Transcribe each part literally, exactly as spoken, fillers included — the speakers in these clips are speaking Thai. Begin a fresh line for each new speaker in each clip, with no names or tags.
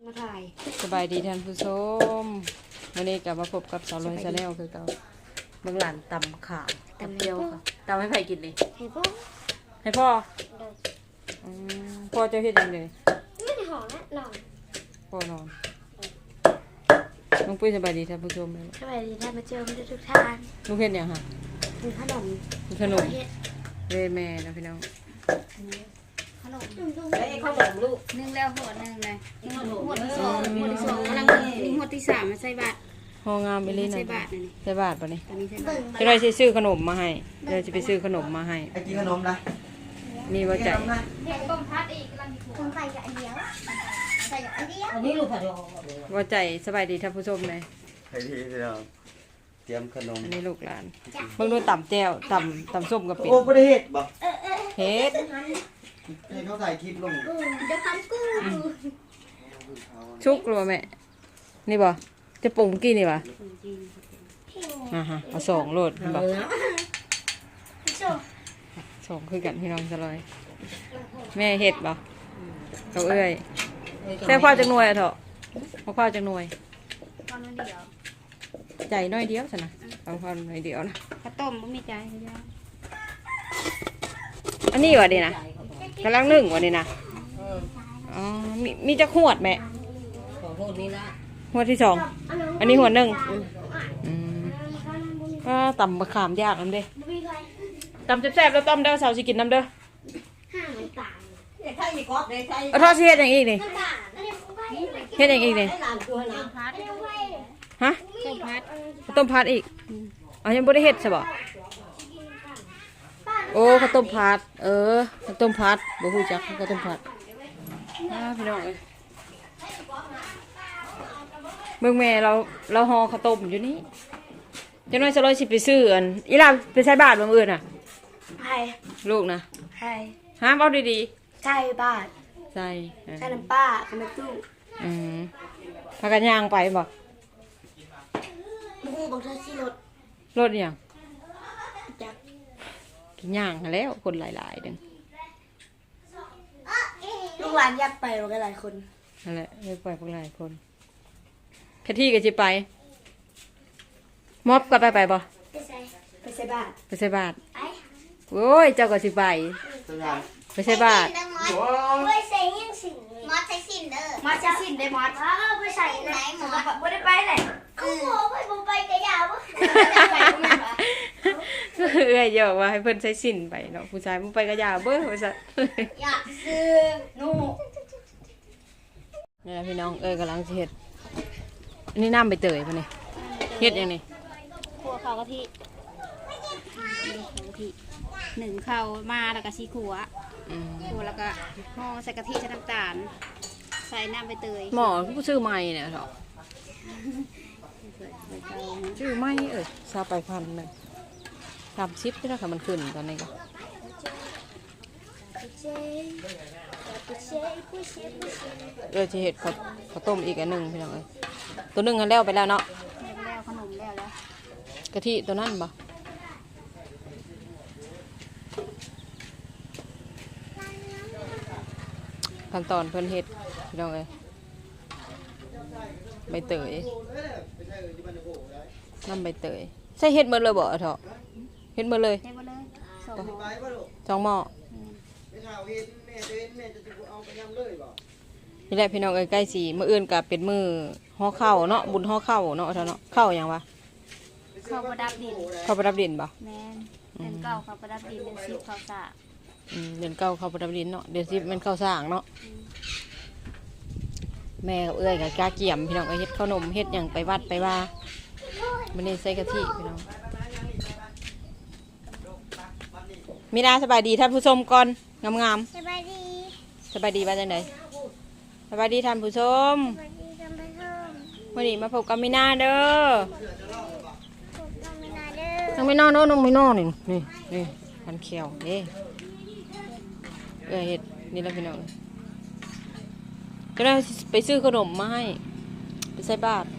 มาถ่าย
สบายดีท่านผู้ชมวันนี้กลับมาพบกับสาวลอยชาแนลคือเก่าเมืองหลานตำข่าวตำเดียวค่ะตำให้ใครกินเลย
ให้พ่อ
ให้พ่ออืมพ่อจะเฮ็ดยังไง
ไม่ได้ห่อนะนอน
พ่อนอนลุงปุ้ยสบายดีท่านผู้ชม
สบายดีท่านผู้ชมทุกท่าน
ลุงเฮ็ดยังค่ะ
มีขนม
มีขนมเวแม่นะพี่น้อง
ขนมไอ้ขนมลูกหนึ่งแล้วหัวหนึ่งเลยหัวที่สองหัวที่สองกำลังนี่หัวที่สามมาใส่บาตร
ห่องามไปเลยนะ
ใส่บาตรนี่
ใส่บาตรป่ะนี่
ตอนนี้ใส่บาตร
จะได้ซื้อขนมมาให้เดี๋ยวจะไปซื้อขนมมาให้
ไอ้กินขนมนะ
มีว่าใจ
ต้มพัดอีกกำลังต้มใส่กับอันเดียวใส่กับอันเดียวอันนี้ลูกผัด
ว่าใจสบายดีท่านผู้ชมเลย
ไอ้ที่เราเตรียมขนม
อันนี้ลูกหลานเบิ่งดูต่ำแจ่วต่ำต่ำส้มกับเป็ด
โอ้ไม่ได้เห็ดบ่
เฮ็ด
ให้เขาถ่ายคลิปลง
เดี๋ยวพันกู้
ชุกหรือแม่นี่บ่จะปรุงกี่นี่บ่อ่าฮะเอาสองโลดบ่สองคือกันพี่น้องจะลอยแม่เฮ็ดบ่เขาเอ้ยแต่พ่อจะหน่วยเถอะพ่อจะหน่วยใจน้อยเดียวสินะเอาพ่อน้อยเดียวนะ
ข้าวต้มไม่มีใจเขาจะ
อันนี้วะดีนะกำลังนึ่งวะดีนะอ๋อมีมีจะขวดแม่
หัวนี้ละ
หัวที่สองอันนี้หัวหนึ่งอืมก็ตำมะขามยากน้ำเด้ตำแซ่บๆแล้วต้มเด้อสาวสิกินน้ำเด้อเอาทอดเฮ็ดอย่างอีกนี่เฮ็ดอย่างอีกนี่ฮะ
ต้มพัด
ต้มพัดอีกอ๋อยังไม่ได้เฮ็ดใช่ป่ะโอ้ข้าวต้มผัดเออข้าวต้มผัดบ่ฮู้จักข้าวต้มผัดอ่าพี่น้องเอ้ยเบิ่งแม่เราเราห่อข้าวต้มอยู่นี่จังน้อยสลอยสิไปซื้ออันอีหล่าไปใส่บาตรมื้ออื่นน่ะ
ใช่
ลูกนะ
ใช่
หาเว้าดี
ๆใช่บาตร
ใส่
ใช่น้ำป้ากับน้ำตู้
อืมพากันย่างไปบ่
มูบอกเธอสิรถ
รถยังกินย่างแล้วคนหลายๆเด้ง
ลูกหลานอยากไปกันหลายคน
นั่นแหละไปปล่อยพวกหลายคนแค่ที่ก็จะไปมอบก็ไปไปบ่
ไปใส่ไปใส่บาตร
ไปใส่บาตรโอ้ยเจ้าก็สิไปไปใส่บาตร
ไปใส่ยังสิมอสใส่สินเด้อมอสใส่สินได้มอสเออไปใส่ไหนมอสบ่ได้ไปเลยกูบอกไปบ่ไปกะยาวบ่ไปบ่แม่นบ่
เอ้ยอย่าบอกว่าให้เพิ่นใช้สินไปเนาะผู้ชายมันไปกะยาเบ้อว่าซั่น
อยากซื้อหนู
นี่ล่ะพี่น้องเอ้ยกำลังสิเฮ็ดอันนี้น้ำใบเตยป่ะนี่เฮ็ดยังนี่
ขัวข้าวกะทิหนึ่งข้าวมาแล้วก็ซีขัวขัวแล้วก็ห่อใส่กะทิใส่น้ำตาลใส่น้ำใบเตย
หมอผู้ชื่อใหม่เนี่ยเถอะชื่อใหม่เอ้ยซาไปพันหนึ่งสามชิปที่เราค่ะมันขึ้นตอนนี้ก็เออจะเห็ดข้าวข้าวต้มอีกอันหนึ่งพี่น้องเอ้ยตัวหนึ่งกันแล้วไปแล้วเนาะ
แล้วขนมแล้วแล้ว
กะทิตัวนั้นบ่ขั้นตอนเพิ่นเห็ดพี่น้องเอ้ยใบเตยน้ำใบเตยใส่เห็ดหมดเลยบ่เถอะเห็ดหมดเลยสองหม้อนี่แหละพี่น้องเอ้ยใกล้สีมื้ออื่นกับเป็นมื้อห่อข้าวเนาะบุญห่อข้าวเนาะเถอะเนาะข้าวอย่างวะ
ข้าวประดับดิน
ข้าวประดับดินบ่
แม่นเดือนเก้าข้าวประดับดินเดือนสิบข้าวสาก
อืมเดือนเก้าข้าวประดับดินเนาะเดือนสิบมันข้าวสากเนาะแม่กับเอ้ยกับกาเกี่ยมพี่น้องเอ้ยเฮ็ดขนมเฮ็ดอย่างไปวัดไปว่ามันนี่ใส่กะทิพี่น้องมีนาสบายดีท่านผู้ชมก่อนงาม
ๆสบายดี
สบายดีว่าจังไดสบายดีท่านผู้ชม
สบายดีท่านผู้ชม
วันนี้มาพบกับมีนาเด้อ
พบกับมีนาเด้อ
น้องมีนาเด้อน้องมีนานี่นี่นี่พันเขียวนี่เอ้ยเฮ็ดนี่แล้วพี่น้องก็ได้ไปซื้อขนมมาให้ไปใส่บาตร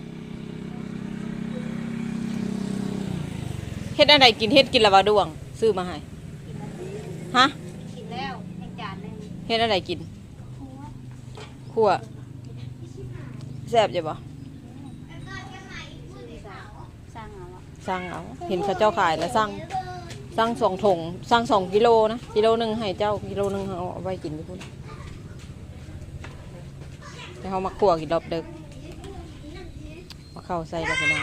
เฮ็ดอะไรกินเฮ็ดกินละวะดวงซื้อมาให้ฮะ
กินแล้วยังจานนึง
เฮ็ดอะไรกินคั่วแซ่บอยู่บ่
สร้างเอาอะ
สั่งเอาเห็นเขาเจ้าขายแล้วสั่งสั่งสองถุงสั่งสองกิโลนะกิโลหนึ่งให้เจ้ากิโลหนึ่งเอาไว้กินไปพุ่นแต่เขามาขั่วกินรอบดึกมาเข้าใส่กับพี่น้อง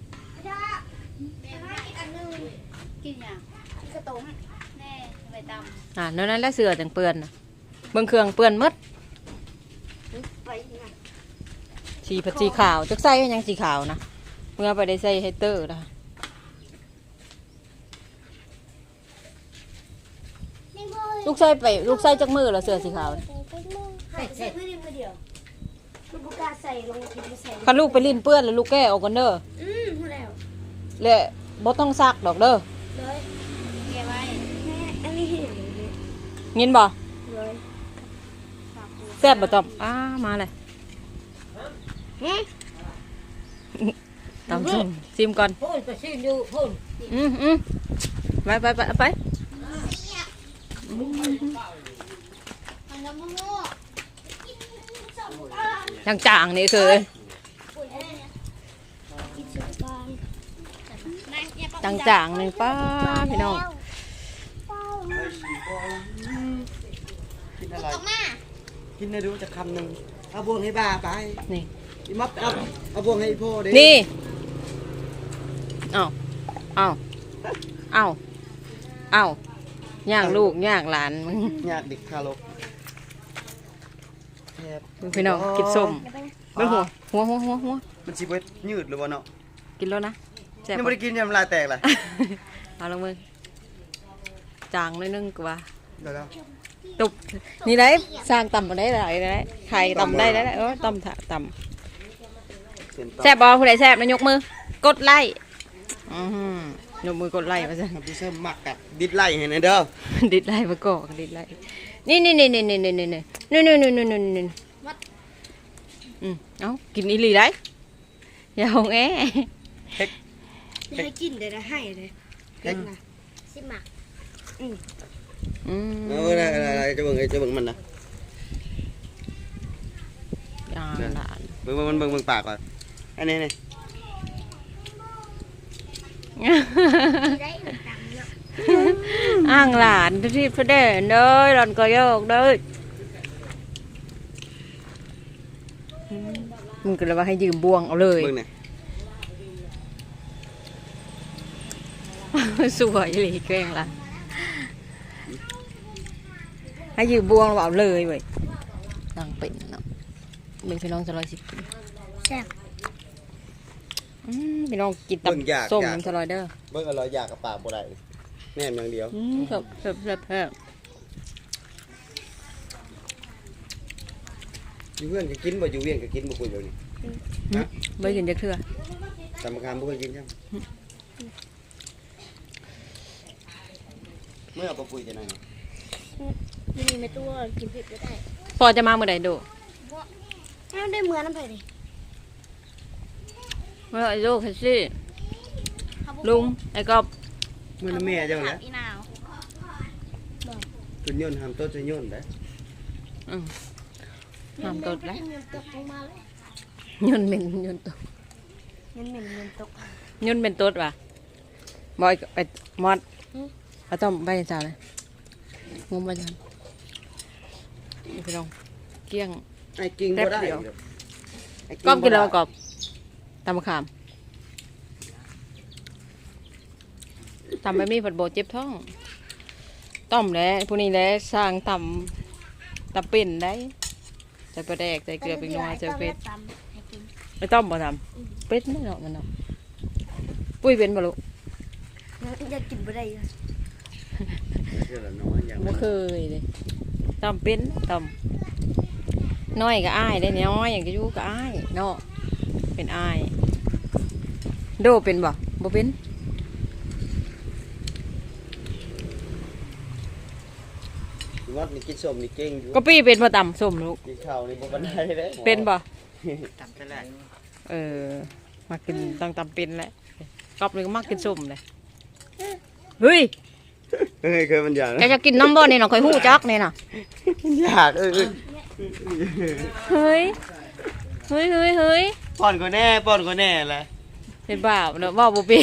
กินอย่างกระตุ้มแน่ใบตำ
อ่านั่นนั่นแหละเสือจังเปื้อนนะเบิ่งเครื่องเปื้อนหมด
ไปนะ
สีผัดสีขาวจักใส่ก็ยังสีขาวนะเมื่อไปได้ใส่ไฮเตอร์นะลูกใส่ไปลูกใส่จักมือแล้วเสือสีขาวน่ะ
ใส่ใส่เพื่อนเพื่อเดียวลูกบุกาใส่ลงกินไปใส่
คันลูกไปลิ้นเปื้อนแล้วลูกแก้ออกกันเด้อ
อืมพูดแล้ว
และบ่ต้องซักดอกเด้อ
เลยเก็บไว้แม่อันนี้เห็นเลย
ยินบ่
เลย
แซ่บบ่จอมอ้ามาเลย
ฮะ
ตำส้มซิมก่อน
พูดไปชิมดูพูด
อืมอืมไปไปไปไป
มันน้ำมันโง่
จางจางๆนี่คือจางจางๆนี่ป้าพี่น้อง
กินอะไร
ออกมา
กินได้ดูจะคำหนึ่งเอาบวงให้บ้าไป
นี่
อีมัดเอาเอาบวงให้พ่อเด้
นี่เอาเอาเอาเอาย่างลูกย่างหลานมึง
อยากเด็กทารกแทบ
พี่น้องกินส้มเบิ่งหัวหัวหัวหัวหัว
มันสิเบิดยืดหรือวะเนาะ
กินแล้วนะแซ่บ
ยัง
ปะ
ไม่ได้กินยังลายแตกเลย
เอาลงมือจางหนิดนึงกว่า
เดี๋ยวแล้ว
ตุบนี่ได้สร้างต่ำมาได้หลายได้ไข่ต่ำได้ได้เออต่ำถะต่ำ
เสียนต่อ
แซ่บบอผู้ใดแซ่บนะยกมือกดไลค์อือหือยกมือกดไลค์มาซะ
พี่เสริมหมักกัดดิดไล่ให้หน่อยเด้อ
ดิดไลค์มาก่อนดิดไลค์นี่นี่นี่นี่นี่นี่นี่นี่นี่นี่นี่นี่นี่นี่อืมเอากินอีหลีได้อย่าหงแอ
ให้กินเดี๋ยวจะให้เลยกินนะสิหมัก
อืม
เออได้ได้ได้จะเบิ่งไอ้จะเบิ่งมันนะ
อ่าหลาน
เบิ่งเบิ่งมันเบิ่งเบิ่งปากก่อนอันนี้นี่
ได้หนึ่งตังค์เนาะ
อ้างหลานที่พระเดชเด้ยหลอนก็โยกเด้ยมึงก็เลยว่าให้ยืมบวงเอาเลย
เบิ่งนี่
สวยเลยแกล้งละให้ยืมบวงเราเอาเลยเว้ยนางเป็นเนาะเป็นพี่น้องจะร้อยสิบปี
แซ่บ
อืมพี่น้องกินตับส้มน้ำสลอยเด้อ
เบิ่งอร่อยอยากกับปากบ่ได้แน่นอย่างเดียว
อืมครับครับครับครับ
อยู่เพื่อนก็กินบ่อยู่เวียนก็กินบ่คุยเดี๋ยวนี้
ไม่กินจะเทื่อ
สำคัญบ่เคยกินจังเมื่อเอาไปปุยจะไหนเนาะ
มีไม่ตัวกินเผ็ดก็ได้
พอจะมาเมื่อไหร่ดู
ถ้าได้เหมือนน้ำเผ็ดดิ
เมื่อไหร่ดูค่ะสิลุงไอ้กอบ
มื้อนั้นแม่เจ้าแหละ
อีนาว
ตุนยนต์ห้ามต้นจะยนต์ได้
อืมห้ามตดแล้ว
เงินตกลงมาเลย
ยนต์เป็นยนต์ตด
เงินเหม็นเงินตก
ยนต์เป็นตดว่ะบอยไปมอดเอาต้อมใบจ่าเลยงมไปจันพี่น้องเกี้ยง
ไอ้กินบ่ได้
แป๊บเดียว
ไอ้
กอบกินแล้ว
บ่ได้
กอบตำมะขามตำแบบนี้ผัดโบเจ็บท้องต้มแล้วพวกนี้แล้วสร้างตำตำปิ่นได้ใส่ปลาแดกใส่เกลือเป็นนัวใส่เป็ดไม่ต้มบ่ทำเป็ดไม่เนาะมันเนาะปุ้ยเป็นบ่ลูก
อยากกินบ่ได้เลย
เชื่อละน้อยอย่าง
บ่เคยเลยต้มเป็นต้มน้อยก็อ้ายได้น้อยอย่างก็อยู่ก็อ้ายเนาะเป็นอ้ายโดเป็นบ่บ่เป็น
วัดนี่กินส้มนี่เก่งอยู่
ก็ปี้เป็นบ่ต่ำส้มลูก
กินข้าวนี่บ่ปานใดเด้
เป็นบ่
ตับไปแล้ว
เออมากินต้องตำเป็นแหละกอบเลยก็มักกินส้มเลยเฮ้ย
เฮ้ยเคยมันอยาก
แกจะกินน้ำบ่นี่น่ะข่อยฮู้จักนี่น่ะ
อยากเออ
เฮ้ยเฮ้ยเฮ้ยเฮ้ย
ป้อนก็แน่ป้อนก็แน่แหละ
เป็นบาปเนาะว่าบ่เป็น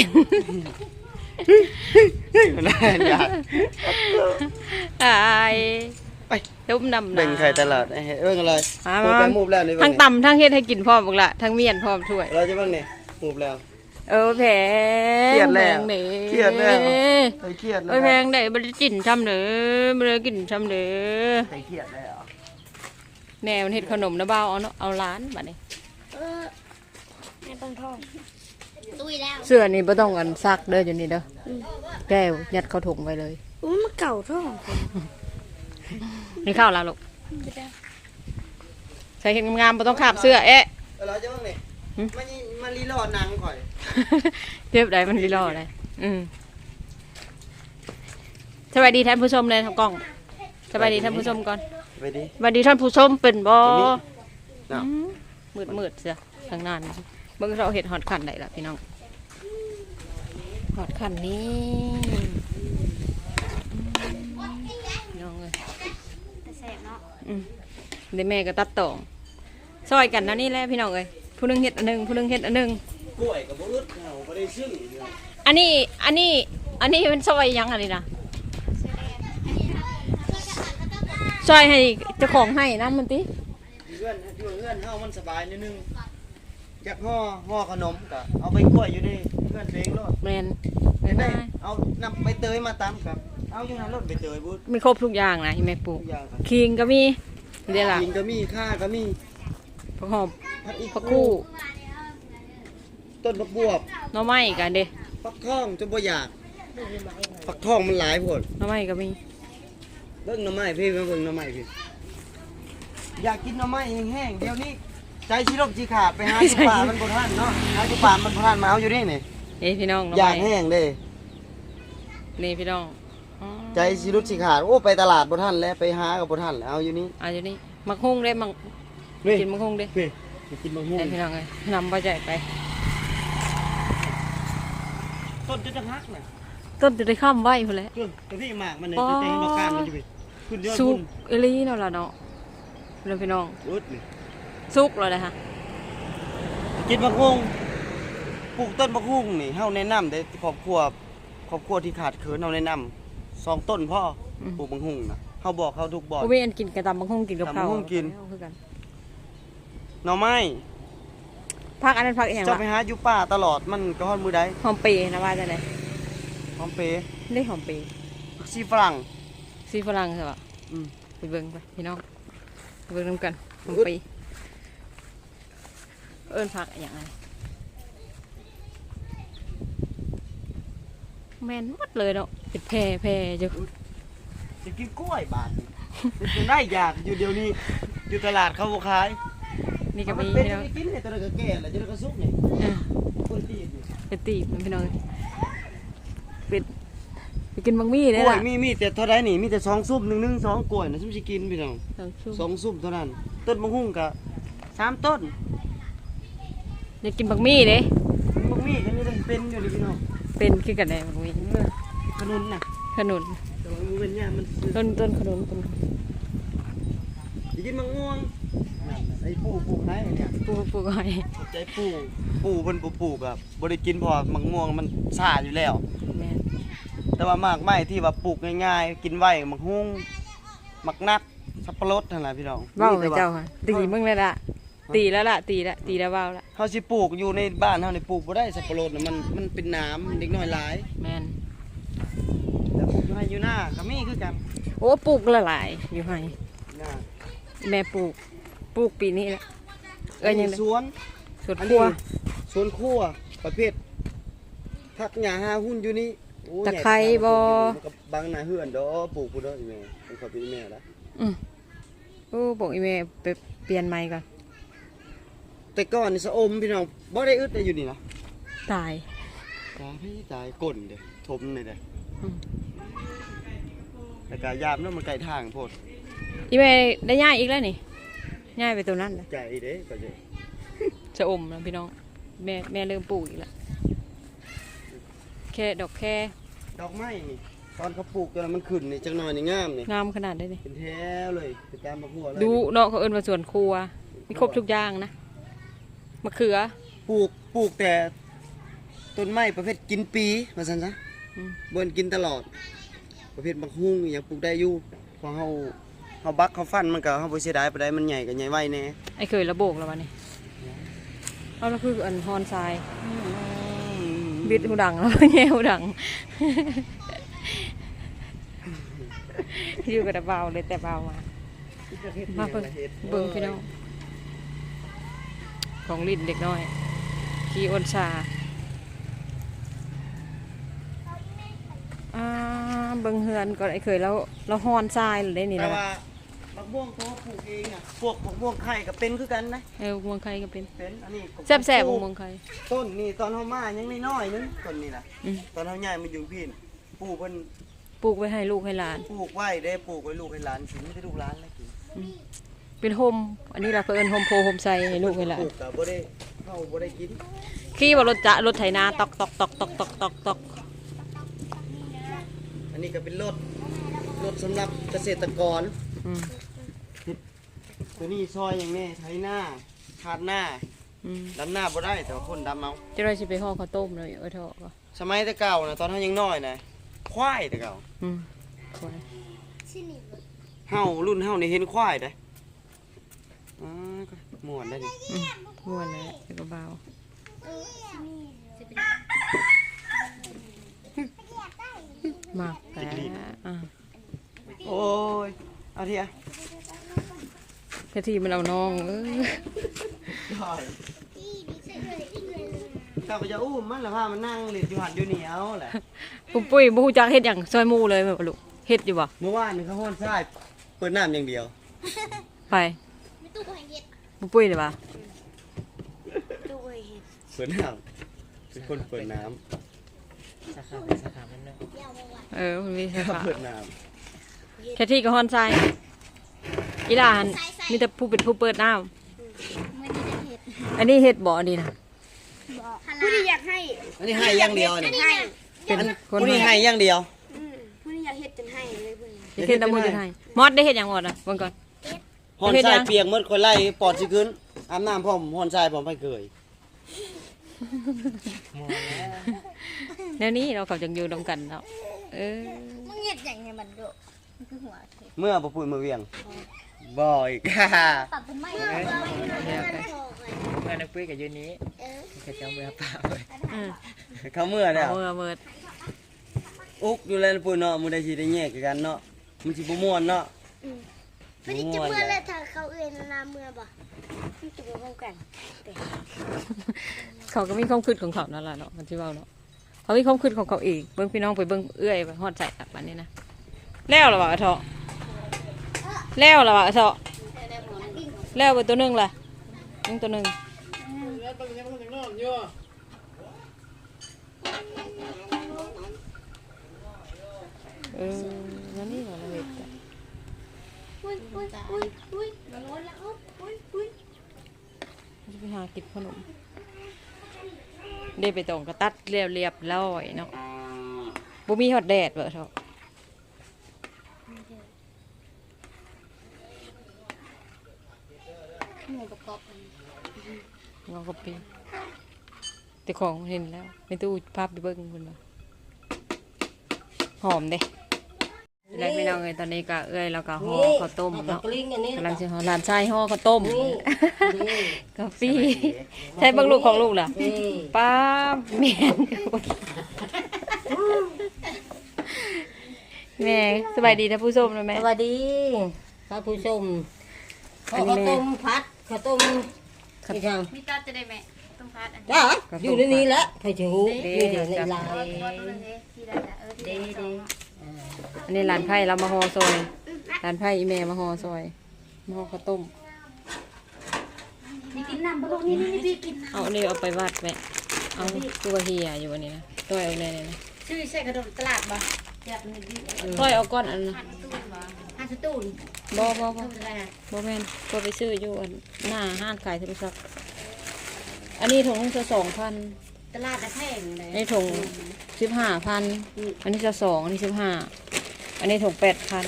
แน่อยาก
ตาย
ไป
ตุ้มดำ
แบ่งไข่ตลาดไอ้เฮ้ยเรื่องอะไร
มา
โปรแกรมมูฟแล้วนี่
ทั้งตำทั้งเฮ็ดให้กินพร้อมบักละทั้งเมียนพร้อมถ้วย
เราจะบ้างเนี่ยมูฟแล้ว
เออแพง
เครียดแล้ว
พงด้
เครียดแล้ว ใครเครียดแล้ว
โอ้ยแพงได้บ่ได้กินช้ำเด้อบ่ได้กินช้ำเด้อ
ใครเครียดแล้ว
แม่มันเฮ็ดขนมนะบ่าวเอาเนาะเอาร้านบัดนี้
เออไม่ต้องท่องตุยแล้ว
เสื้อนี่บ่ต้องอันซักเด้ออยู่นี่เด้ออแก้วยัดเข้าถุงไว้เลย
อุ้ยมันเก่าท่อง
นี่ข้าวแล้วลูกใส่เห็นงามๆบ่ต้องคาบเสื้อเอ๊ะ
เราจะบ้างเนี่ย
หืม
มันมันรีโหลดหนังข่อย
เทียบได้มันรีรอได้อืมสวัสดีท่านผู้ชมเลยทางกล้องสวัสดีท่านผู้ชมก่อน
ไปดิ
สวัสดีท่านผู้ชมเป็นบ่
น่ะ
มืดมืดๆเสียทางนั้นเบิ่งเราเห็ดหอดขันได้ละพี่น้องหอดขันนี้พี่น้องเลย
แต่แสบเนาะ
อืมเดี๋ยวแม่ก็ตัดต่อซอยกันนะนี่แหละพี่น้องเอ้ยผู้หนึงเห็ดอันหนึงผู้หนึงเห็ดอันหนึง
กล้วยกับบุรุษเราไม่ได้ซึ่ง
อันนี้อันนี้อันนี้เป็นซอยยังอันนี้นะซอยให้เจ้าของให้นะมันติ
เพื่อนอยู่เพื่อนเฮามันสบายนิดนึงอยากห่อห่อขนมก็เอาไปกล้วยอยู่ดิเพื่อนเพลงรถ
แมน
เห็นไหม
ง่าย
เอานำใบเตยมาตำกับเอาอยู่นั้นรถใบเตยบุญ
ๆมีครบทุกอย่างนะที่แม่ปลู
ทุ
ก
กอย่างครับ
คิงก็มีเดี๋ยวล่ะ
กินก็มีข้าก็มี
ผักหอม
ผักอี
ผักกู้
ต้นผักบวบ
หน่อไม้กันเด้
ผักทองจนบ่อยากผักทองมันหลายผล
หน่อไม้ก็มี
เบิ่งหน่อไม้พี่มาเบิ่งหน่อไม้พี่อยากกินหน่อไม้แห้งๆเดี๋ยวนี้ใจชิลกจีขาดไปหาจุป่ามันบ่ทันเนาะหาจุป่ามันบ่ทันมาเอาอยู่นี่นี่
เอ้พี่น้องหน่อ
อยาก
ไม้
แห้งเด้
นี่พี่น้องอ๋อ
ใจชิลุกจีขาดโอ้ไปตลาดบ่ทันแล้วไปหากับบ่ทันแล้วเอาอยู่นี่
เอาอยู่นี่มักฮุ้งได้มัก
นี่
กินมักฮุ้งได้
นี่มากินมะม่วง
ได้พี่น้องเลยนำไปใจไป
ต้นจะจะฮักน่ะ
ต้นจะได้ข้ามไว้พุ่นแหละ
เออแต่พี่หมากมันเนี่ย
อ๋อ
จะแต่งดอกการมันอยู่พี่ขึ้นยอด
สุ
บุ
ก
ญ
เอหลีเนาะล่ะเนาะแล้วพี่น้อง
อุดนี่
สุกแล้วนะฮะ
กินมะฮุ่งปลูกต้นมะฮุ่งนี่เฮาแนะนำได้ครอบครัวครอบครัวที่ขาดเขินเฮาแนะนำสองต้นพ่ออปลูกมะฮุ่งนะเฮาบอกเขาทุกบ่อน
บ่มีอันกินกระตำมักฮุ้งกินกับข้าว
ตำบักหุ่งกิน
เอาคือกัน
หน่อไม้
พักอันนั้นพักอีหยัง
จะ
ล่ะ
ไปหาอยู่ป่าตลอดมันก็ฮอดมือใด
หอมเปรย์นะว่าจังได๋
หอมเปรย์
ได้หอมเปรย์
ผักชีฝรั่ง
ซีฝรั่งใช่ป่ะ
อืม
ไปเบิ่งไปพี่น้องไปเบิ่งนํกันหอมเปรย์เอิ้นพักอีหยังไงแม่นหมดเลยเนาะเป็นแพร่แพร่อยู่
จะกินกล้วยบาทนี่จะได้อยากอยู่เดี๋ยวนี้อยู่ตลาดเขาบ่ขาย
นี่ก็มี
เป็น
พี่น้อง
จะกินเนี่ยตัวนั้นก็แก่แล้วจะได้ก็สุกนี่
เออ
คนตีนนี่
เป็นตีบพี่น้องเป็นไปกินบางมี่ได้
กล้วย
ล่ะ
มีมีแต่เท่าใดนี่มีแต่สองซุปหนึ่งหนึ่งสองกล้วยนะซุมสิกินพี่น้อง
สองชั่ว
สองซุปเท่านั้น ต้นมะฮุ่งก็สามต้น
อยากกินบางมี่เด้
บางมีกันนี่ได้เป็นอยู่นี่พี่น้อง
เป็นคือกันได้บางมี่
เออขนุนน่ะ
ขนุน
แต่ว่ามันเป็นเนี่ยมันซื้อ
ต้นต้นขนุนต้น
สิกินมะม่วงนั่นน่ะไอ้ปู่ปลูกให้เนี่ย
ปลูกปลูกไว้
ขอบใจปู่ปู่เพิ่นปลูกแบบบ่ได้กินเพอมะม่วงมันซ่าอยู่แล้ว
แม่น
แต่ว่ามากไม้ที่ว่าปลูกง่ายๆ กินไว้มะฮุ่งมักนัดสับปะรดนั่นแหละพี่น้อง
เว้า
มี
ให้
แต่ว่
เจ้าค่ะตีมึงเลยล่ะตีแล้วล่ะตีแล้วตีแล้วเว้าละ
เฮาสิปลูกอยู่ในบ้านเฮานี่ปลูกบ่ได้สับปะรดน่ะมันมันเป็นน้ำเด็กน้อยหลาย
แม่น
แต่ปลูกอยู่ให้อยู่หน้าก็มีคือกัน
โอ้ปลูกละหลายอยู่ให้
หน้า
แม่ปลูกปลูกปีนี้แหละเอ้ยยังไง
สวน
สวน
อัน
ครั
นี้
ว
สวนครัวประเภทผักหญ้าหาหุ้นอยู่นี่โอ้
ตะไคร้บ่
มันก็บางหน้าเฮือนดอกปลูกพุ่นเด้ออีแม่มันเขาเป็นอีแม่ละ
อืมโอ้บอกอีเมลไปเปลี่ยนไม้ก่อน
แต่ก่อนนี่สะอมพี่น้องบ่ได้อึดได้อยู่นี่นะ
ตาย
ตายพี่ตายก้นเด้ทมนี่เด้
อืม
แต่กายามเนาะมันไกลทางโพด
อีเมลได้ย่ายอีกแล้วนี่ย่ายไปตัวนั้นเลย
ใจเด้ก็จะ
จะอมนะพี่น้องแม่แม่เริ่มปลูกอีกแล้วแค่ดอกแค่
ดอกไม้นี่ตอนเขาปลูกตอนนั้นมันขึ้นนี่จังหน่อยนี่งามนี่
งามขนาดได้นี่
เป็นแถวเลยเป็นตามบักหัวเลย
ดูเนาะเขาเอิ้นว่าสวนครัวมีครบทุกอย่างนะมะเขือ
ปลูกปลูกแต่ต้นไม้ประเภทกินปีว่าซั่นซะ
อืม
บ่นกินตลอด ประเภทบักฮุ้งอหยังปลูกได้อยู่เพราะเฮาเฮาบักเฮาฟันมันก็เฮาบ่เสียดายปานใดมันใหญ่ก็ใหญ่ไวแน่
ไอ้เคยระโบกแล้ววะนี่เอาแล้วคืออันฮอนทรายบิดหูดังแล้ว แง่หูดัง อยู่กับแต่เบาเลยแต่เบามามาเบิ่งเบิ่งพี่น้องของลิ้นเด็กน้อยขี่อ้นชาอ่าเบิ่งเฮือนก่อนไอ้เคยแล้วแล้วฮอนทรายเลยได้นี่
แต่
นะ
ว่าบักม่วงเขาปลูกเองอ่ะพวกบักม่วงไข่ก็เป็นคือกันนะ
เออเมืองไทยก็เป็น
เป็นอันนี้ก็
แซ่บแซ่บๆเมืองไทย
ต้นนี่ตอนเฮามายังน้อยๆนึงต้นนี่ล่ะ
อืม
ตอนเฮาย้ายมาอยู่พี่นี่ปลูกเพิ่น
ปลูกไว้ให้ลูกให้หลาน
ปลูกไว้ได้ปลูกไว้ลูกให้หลานกินไม่ได้ลูกหลานแล้วกิน
เป็นโฮมอันนี้เราเพิ่นโฮมโพโฮมไซให้ลูกให้หลา
ป
น
ลูกก็บ่ได้เฮาบ่ได้กิน
ขี่ว่ารถจะรถไถนาตอกตอกตอกตอกตอกตอกตอก
อันนี้ก็เป็นรถรถสำหรับเกษตรกร
อืม
ตัวนี้ซอยอย่างนี้ไถหน้าขาดหน้า
อืม
ดำหน้าบ่ได้แต่ว่าคนดำเอา
จะได้สิไปห่อข้าวต้มเลยเออเถอะก็
สมัยแต่เก่านะตอนเฮายังน้อยนะควายแต่เก่า
อืมสวย
เฮารุ่นเฮานี่เห็นควายได้อ๋อก็ม่วนได้ดิ
อืมม่วนเลยแล้วก็เบาหมากแต่อ่ะ
โอ้ยเอาเทีย
กะทิมันเอาน้องเออ
เจ้าก็จะอุ้มมันแล้วพามันนั่งเล่นอยู่หันอยู่นี่เอาแหละ
ปุ้มปุ้ยบ่ฮู้จักเฮ็ดหยังซอยหมู่เลยแม่บ่ลูกเฮ็ดอยู่บ่
เมื่อวานนี่เขาฮ้อนทรายเปิดน้ำอย่างเดียว
ไปปุ้มปุ้ยได้บ่
เปิดน้ำเป็นคนเปิดน้
สาขาสาขาเป็นเนาะ
เออมันมีสา
ำ
ขา
เปิดน้
แค่ที่ก็ฮอนทรายอีหลานมีแต่ผู้เป็นผู้เปิดน้ำอันนี้เฮ็ดบ่อันนี้นะ
ผู้ที่อยากให้
ำอันนี้ให้อย่างเดียวนี่
ให้
เป็นคน
ผู้นี้ให้อย่างเดียว
ผู้ที่อยากเฮ็ดจนให้เลยผู้นี้
จะเฮ็ดน้ำมือจะให้มอดได้เฮ็ดหยังหมดอ่ะเบิ่งก่อน
ฮ้อนทรายเปียกหมดคนไล่ปอดสิขึ้นอาบน้ำพร้อมฮ้อนทรายพร้อมไปเกย
มองแล้ว
แล้วนี้เราเขาจังอยู่นํกันแล้วเออ
มึงเฮ็ดอย่างไงมันโดมันคือหัวเท
เมื่อบ่พูดมือเวียงบ่อยค่ะ
ปรับเป็นไม่
เดี๋ยวไป
เมื่อนักปุ้ยกับยูนี้เขาจะเอามือเปล่าเลย
อืม
เขาเมื่อแล้ว
เอามือเมิด
อุกอยู่แล้วปุ้ยเนาะมื้อใดสิได้แยกกันเนาะมันสิบ่ม่วนเนาะ
ไม่ได้จะเมื่อเลยถ้าเขาเอื้อนนาเมื่อบ่มันจะบ่พร้อมกัน
เขาก็มีความคิดของเขานั่นแหละเนาะมันสิเว้าเนาะเขามีความคิดของเขาเองเบิ่งพี่น้องไปเบิ่งเอื้อยไปฮอดใจตับอันนี้นะแล้วล่ะว่าอะเถาะแล้วล่ะว่าอะเถาะแล้วไปตัวหนึงล่ะยังตัวหนึงเออนั่นนี่เราเฮ็ดกัน
อุ้ยอุ้ยอุ้ยอุ้ยมันร้อนแล้วอุ้ยอุ้ย
จะไปหากินขนมได้ไปตรงกระตัดเรียบเรียบร้อยเนาะบ่มีฮอดแดดเบ้อเถาะ
หมูประกอบ
งอกปีแต่ของเห็นแล้วในตู้ภาพไปเบิ่งคุณว่าหอมเด้แล้วพี่น้องเอ้ยตอนนี้ก็เอ้ยแล้วก็ห่อข้าวต้ม
กับ
เนาะ
กลิ้งอันนี้
กำลังสิห่อหลานชายห่อข้าวต้ม
นี่
กาแฟใช่เบิ่งลูกของลูกล่ะ
นี่
ป้าแม่นแม่สบายดีนะผู้ชมนะแม่
สวัสดีท่านผู้ชมข้าวต้มพัดข้าวต้มที่ทาง
มีตาจะได้ไหมต้องพัดอัน
จ้าอยู่ในนี้แหละใครจะรู้นี่เดี๋ยวในลาย
ที่ได้เออที่
ดี
ได้
ดี
อันนี้หลานไผ่เรามาห่อซอยหลานไผ่อีแม่มาห่อซอยมาห่อข้าวต้ม
นี่กินน้ำบ่นี่นี่พี่กิน
เอาอันนี้เอาไปวัดแม่เอาตัวเฮียอยู่วันนี้นะตัวเอาแน่ๆนะ
ชื่อใช่กระโดดตลาดบ่จับนี่ดิ
ต้อยเอาก้อนอันนะ
หันตูนบ่หันสตูน
บ่บ่บ่
ทำอะไรนะ
บ่แม่นก็ไปซื้ออยู่อันหน้าห้างขายโทรศัพท์อันนี้ถุงจะสองพัน
ตลาดตะแพงเลย
อันนี้ถุงสิบห้าพันอันนี้จะสองอันนี้สิบห้าอันนี้ถุงแปดพัน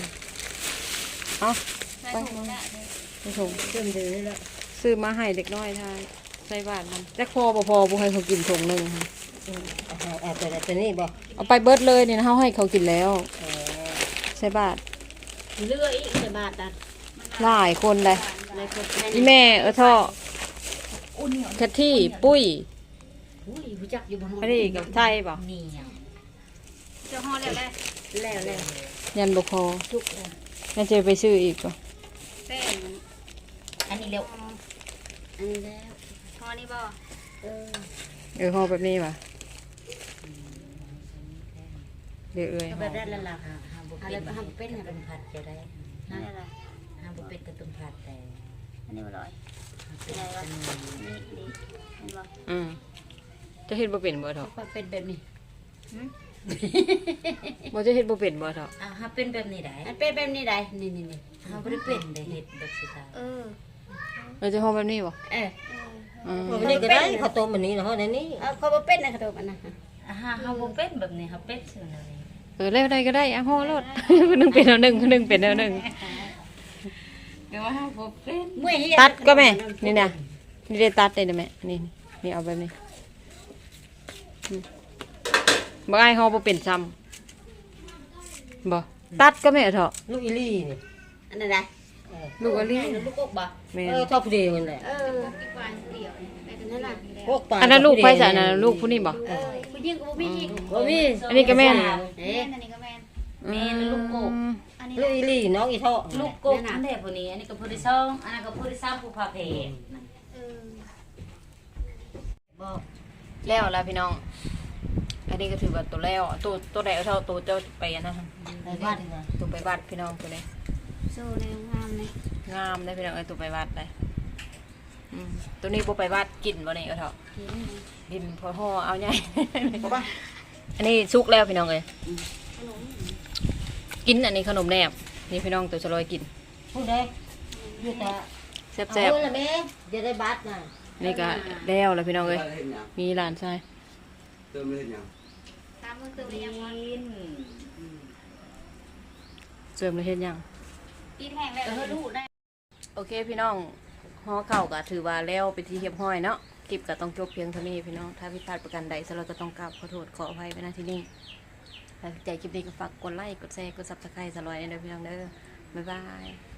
เอาไปมานี่ถุง
เติมเดือดแล้ว
ซื้อมาให้เด็กน้อยทานใส่บาทมันแต่พอบ่พอบ่ให้เขากินถุงหนึงค่ะ
เอาเอาตัวตัวนี้บ่
เอาไปเบิดเลยเนี่ยนะเฮาให้เขากินแล้วใส่บาท
เลืออีกใส่บาทอ่ะ
หลายคนเลย
ในคนไทย
อีแม่เออท่อแคทที่ปุ้ย
อุ้ยรู้จักอยู่บนห้อง
อันนี้กับไทยเปล่า
นี่เจ้าห้องแล้วแล้วแล้วแล้ว
ยันบ่พอ
ทุกเลย
น่าจะไปซื้ออีกป่ะ
แป้งอันนี้เร็วอันนี้แล้วห้องนี้บ่เออ
เออห่อแบบนี้ป่ะเดี๋ยวเอ้ย
ก็
ห่
แบ
อบ
นั้นละล่ะค่ะห้ามบุเป็นห้ามเป็นเป็นผัดจะได้นั่นอะไรห้ามบุเป็นกระตุ้นผัดแต่อันนี้อร่อยอะไรวะนี่นี่เห็นบ่
อืมจะเฮ็ดบ่เป็นบ่เถาะ
ก็เป็นแบบนี้
บ่จะเฮ็ดบ่เป็นบ่เถาะ
อ่าฮะเป็นแบบนี้ได้มันเป็นแบบนี้ได้นี่นี่นี่ฮะบ่ได้เป็นได้เฮ็ดแบบสุดท้ายเออ
เออจะห่อแบบนี้บ่
เออ
อืม
วันนี้ก็ได้ข้าวต้มอันนี้เนาะในนี้
เอาเขาบ่เป็นนะขนมอันนั้นอ่าฮะเฮาบ่เป็นแบบนี้เฮาเป็นซื่อนั่นเอง
เออแล้วได้ก็ได้อ่ะห่อรถ คนหนึงเป็นเอาหนึงคนหนึงเป็นเอาหนึง
ก็ว่าเฮาบ่เป็นเมื่อย
ตัดก็แม่นี่นะนี่ได้ตัดได้นะแม่นี่นี่เอาแบบนี้อืมบ่อ้ายห่อบ่เป็นซ้ำบ่ตัดก็แม่เถาะ
ลูกอีลี่นี่
อันนั้นได้
ลูกอะลี
ลูกกกบ่
แม่น
เออชอบผู้เดียวนั่นแหละ
เออนั่นน่ะ
พวกปลา
อันนั้นลูกไผจ้ะอันนั้นลูกผู้นี้บ่
เออผู้หญิงก็บ่มีอีก
บ่มี
อันนี้ก็แม่น
เอ๊ะอันนี้ก็แม่น
แม่นลูกโก
อันนี้
ลูกอีลี่น้องอีท่อ
ลูกกกอันนี้ผู้นี้อันนี้ก็ผู้ที่สองอันนั้นก็ผู้ที่สามผู้พาเพเออบ่
แล้วล่ะพี่น้อง อันนี้ก็ถือว่าตัวแล้วตัวตัวใดเอาเท่าตัวเจ้าไปอันนั้น
ในบ้าน
ตัวไปวัดพี่น้องตัวนี้
โซ่ในงามเลย
งามได้พี่น้องเอ้ยตัวไปวัดเลยอืมตัวนี้บ่ไปวัดกินบ่นี่เอาเถอะกินพอห่อเอาใหญ่ อันนี้สุกแล้วพี่น้องเอ้ยกินอันนี้ขนมแนบนี่พี่น้องตัวสลอยกิน
ผู้ใดอยู่แต่
แซ่บ
เอาละแม่จะได้บัตรน่ะ
ๆนี่ก็แล้วแล้วพี่น้องเอ้ย
เฮ็ดหยัง
มีหลานชาย
เติมเฮ็ดหยัง
ตามมือตัวยังมัน
เสริมเลยเฮ็ดหยัง
ปีแห้งแล้วเออลูกได้
โอเคพี่น้องห่อข้าวก็ถือว่าแล้วไปนที่เรียบร้อยเนาะคลิปก็ต้องจบเพียงเท่านี้พี่น้องถ้าผิดพลาดประการใดสเราก็ต้องกราบขอโทษขออภัยไว้ณที่นี่ถ้าใจคลิปนี้ก็ฝากกดไลค์กดแชร์กดซับสไครต์สลอยเด้อพี่น้องเด้อบ๊ายบาย